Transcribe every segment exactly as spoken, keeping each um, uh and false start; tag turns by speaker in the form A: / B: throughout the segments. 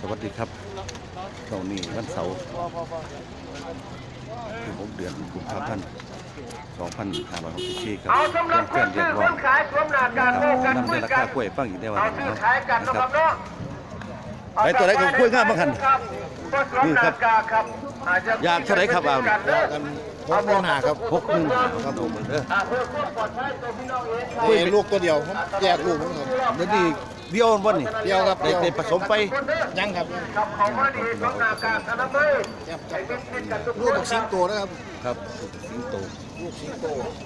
A: สวัสดีครับตรงนี้วันเสาร์ที่หกเดือนกุมภาพันธ์สองพันห้าร้อยหกสิบสี่ครับแจ้งเตือนเรียกร้องนำในราคากล้วยฟังอีกได้วันนะครับไปตัวไหนของกล้วยงามบ้างคันนี่ครับอยากเท่าไหร่ครับเอา
B: หกหมื่นห้าครับ
A: หกหมื่นห้าครับผมเด้อ
B: นี่ลูกตัวเดียวผมแยกลูกมันครับ
A: เดี๋ยวนี้เดียววันนี้
B: เดียวครับ
A: ได้ได้ผสมไป
B: ยังครับลูกบักสิงโตนะครับ
A: ครับสิงโต
B: ลูกสิงโต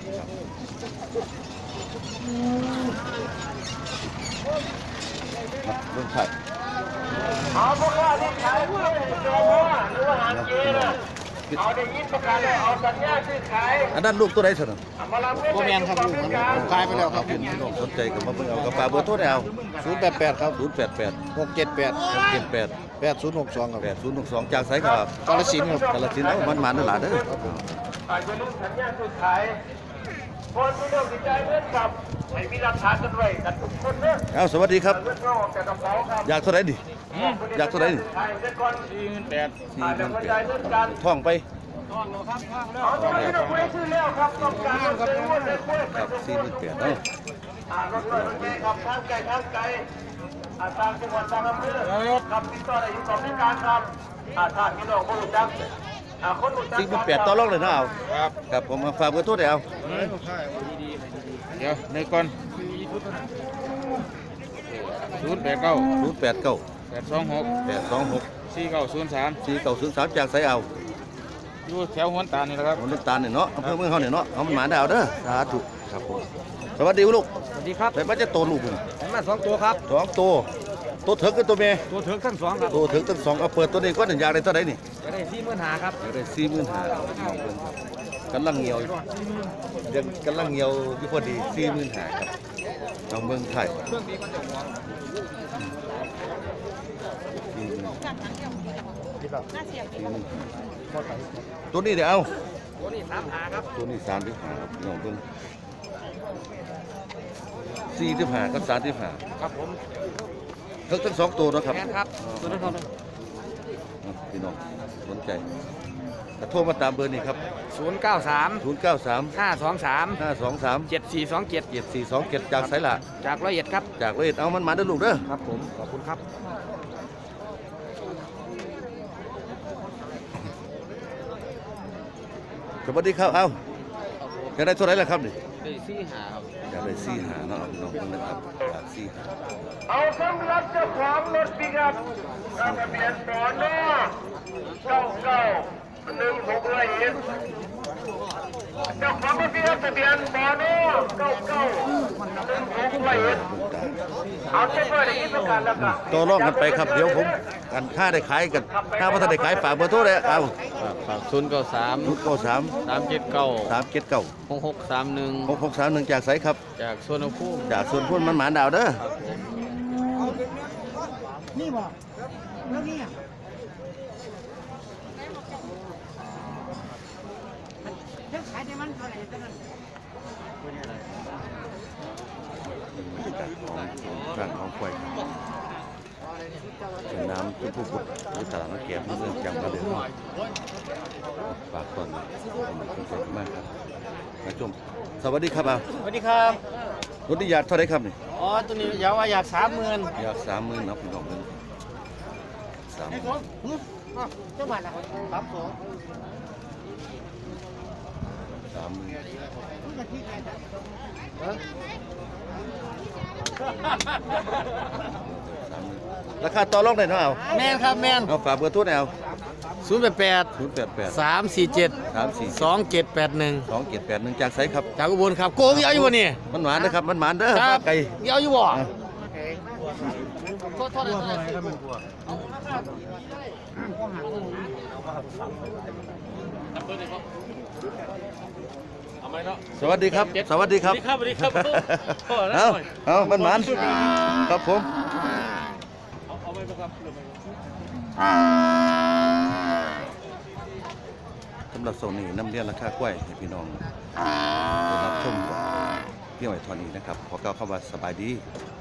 A: เรื่องไข่
C: เอาพวกเราที่ขายเพื่อให้โจมหรือว่าหางเกณฑ์เอาได้ยินประกาศเอาสัญญาซื้อขาย
A: อันนั้นลูกตัวไหนสน
B: โคแมนครับลูกมันขายไปแล้วครับ
A: พี่น้องสนใจกับมาเบิ่งเอากระเป๋าเบอร์โทรได้เอา
B: ศูนย์แปดแปดครับ
A: ศูนย์แปดแปด
B: หกเจ็ดแปด
A: หกเจ็ดแปด
B: แปดศูนย์หกสองครับ
A: แปดศูนย์หกสองจากไสครับ
B: กาฬสินธุ์ครับ
A: กาฬสินธุ์เอามันมานั่นหลาเด้อ
C: อาจจะลืมสัญญาซื้อขายคนที่เริ่มติดใจเงินกับไม่มีหลักฐานกันไว้กันทุกคนเนอะ
A: เอาสวัสดีครับ
C: เงินเราออกจากกระเป๋าครับ
A: อยากเท่าไหร่ดิอยากเท่าไหร่ดิ
C: ขายเงินก่อนสี่หมื่นแปดอาจจะกระจายเงินกัน
A: ท่องไป
C: เอาตอนนี้เราไม่ได้ซื้อแล้วครับต้องการรถซื้อรถเลยกล้วย
A: ครับสี่หมื่นแปดเนาะ
C: อ่ารถเลยรถเมล์ขับทางไกลทางไกลอ่าทางจังหวัดทางอำเภอขับติดต่อได้อยู่สองรายการครับอ่าทางพี่น้องผู้รู้จักอ่าคนรู้จัก
A: สี่หมื่นแปดต่อรองเลยเนาะเอาครับครับผมมาฝากเบอร์โทรได้เอา
D: เดี๋ยวในก่อนศูนย์แปดเก้า
A: ศูนย์แปดเก้า
D: แปดสองหก
A: แปดสองหก
D: สี่เก้าศูนย์สาม
A: สี่เก้าศูนย์สามจากไสเอา
D: อยู่แถวหัวตานี่แหละครับ
A: ผมน้ำตาลเนี่ยเนาะอำเภอเมืองเขาเนี่ยเนาะเอามันหมาดาวเด้อสาธุครับผมสวัสดีลูก
D: สวัสดีครับ
A: แต่มันจะโตลูก
D: ผมมาสองตัวครับ
A: สองตัวตัวเถิกกับตัวเมย์
D: ตัวเถิงทั้งสองครับ
A: ตัวเถิกทั้งสองเอาเปิดตัวนี้ก็หนึ่งอยากได้เท่าไหร่นี่
D: จะได้สี่หมื่นหาครับ
A: อยากได้สี่หมื่นห้ากำลังเหี่ยวอยู่ยังกำลังเหี่ยวอยู่พอดีสี่หมื่นห้าครับเอาเมืองไทยตัวนี้เดี๋ยวเอา
D: ตัวนี้สามหาครับ
A: ตัวนี้สามที่หาครับน้องเบิ่งสี่ที่หากับสามที่หา
D: ครับผม
A: เทิกทั้งสองตัวนะครับ
D: แมนครับตัวนั้นเท่านั้น
A: อ่ะพี่น้องสนใจโทรมาตามเบอร์นี้ครับ
D: ศูนย์เก้าสาม
A: ศูนย์ เก้า สาม
D: ห้าสองสาม
A: ห้า สอง สาม
D: เจ็ดสี่สองเจ็ด
A: เจ็ด สี่ สอง เจ็ดจากไสละ
D: จากร้อยเอ็ดครับ
A: จากเลยเอามันมาเด้อลูกเด้อ
D: ครับผมขอบคุณครับ
A: สวัสดีครับเอาจะได้เท่าไหร่ล่ะครับนี่
D: ได้สี่หาครับ
A: อยากได้สี่หาเนาะเอาพี่น้องเบิ่งนะครับอยากสี่หา
C: เอาสำหรับเจ้าของรถปิกอัพทะเบียนปอนอเก้าเก้าหนึ่งหกร้อยเอ็ดเจ้าของรถปิกอัพทะเบียนปอนอเก้าเก้าหนึ่งหกร้อยเอ็ดเอาเช็คไว้ในที่ประกาศแล้วกัน
A: ต่อรองกันไปครับเดี๋ยวผมกันค่าได้ขายกันถ้าว่าถ้าได้ขายฝากเบอร์โทรเลยเอา
D: ฝากศูนย์เก้าสาม
A: ศูนย์ เก้า สาม
D: สามเจ็ดเก้า
A: สาม เจ็ด เก้า
D: หกหกสามหนึ่ง
A: หก หก สาม หนึ่งจากไสครับ
D: จากสวนภูมิ
A: จากส่วนพุ่นมันหมานดาวเด้อ
E: นี่บอกแล้วนี่อ่ะเดี๋ยวขายได้มันเท่าไหร่ตอนนั้น
A: บรรยากาศของร้านของควายเป็นน้ำทุกผู้บุกในตลาดนักเก็บเมืองจังหวัดเลยฝากก่อนขอบคุณมากครับมาชมสวัสดีครับเอา
E: สวัสดีครับ
A: รถนิยาเท่าไรครับนี่
E: อ๋อตัวนี้อยากว่าอยากสามหมื่น
A: อยากสามหมื่นนะพี่น้องเงินสามหมื่น
E: เจ้าบ้านละสามสอง
A: สามหมื่นราคาต่อรองได้เนาะเอา
E: แมนครับแมน
A: เอาฝากเบอร์โทรหน่อยเอา
E: ศูนย์แปดแปด
A: ศูนย์แปดแปด
E: สามสี่เจ็ด
A: สามสี่
E: สองเจ็ดแปดหนึ่ง
A: สองเจ็ดแปดหนึ่งจากไสครับ
E: จากอุบลครับโกงเยอะอยู่บ่นี่
A: มันหวานนะครับมันหวานเด้อ
E: ครับ
A: ไก่
E: เยอะอยู่บ่
A: อ่ะ
E: โทษโทษอะไรครับมันกลัว
A: สวัสดีครับ สวัสดีครับ
D: สวัสดีครับ
A: เอาเอามันหวานครับผมสำหรับโซนนี้น้ำเลี้ยงราคากล้วยให้พี่น้องได้รับชมก่อนเที่ยวไอ้ทอนี้นะครับขอกล่าวคำว่าสบายดี